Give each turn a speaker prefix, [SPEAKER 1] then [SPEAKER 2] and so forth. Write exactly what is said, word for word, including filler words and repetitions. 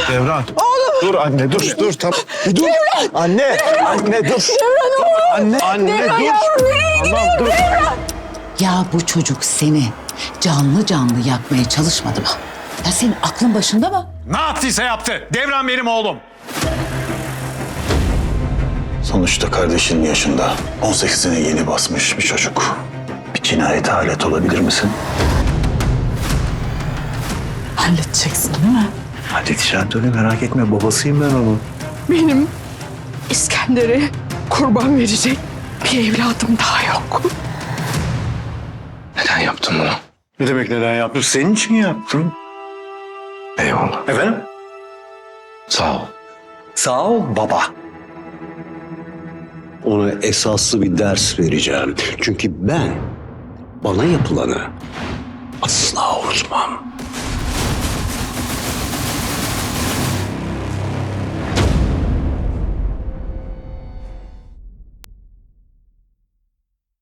[SPEAKER 1] Devran. Oğlum. Dur anne dur dur tamam. Bir dur. Devran. Anne. Devran. Anne dur.
[SPEAKER 2] Devran oğlum.
[SPEAKER 1] Anne. Anne
[SPEAKER 2] Devran
[SPEAKER 1] dur.
[SPEAKER 2] yavrum nereye
[SPEAKER 1] Tamam dur.
[SPEAKER 2] Devran.
[SPEAKER 3] Ya bu çocuk seni canlı canlı yakmaya çalışmadı mı? Ya senin aklın başında mı?
[SPEAKER 4] Ne yaptıysa yaptı. Devran benim oğlum.
[SPEAKER 5] Sonuçta kardeşinin yaşında on sekizine yeni basmış bir çocuk. Bir cinayete alet olabilir misin?
[SPEAKER 2] Halledeceksin değil mi?
[SPEAKER 5] Halledeceğim tabii, merak etme, babasıyım ben onun.
[SPEAKER 2] Benim İskender'e kurban verecek bir evladım daha yok.
[SPEAKER 5] Neden yaptın bunu?
[SPEAKER 1] Ne demek neden yaptın? Senin için yaptım.
[SPEAKER 5] Eyvallah.
[SPEAKER 1] Efendim?
[SPEAKER 5] Sağ ol.
[SPEAKER 6] Sağ ol baba. Ona esaslı bir ders vereceğim. Çünkü ben bana yapılanı asla unutmam.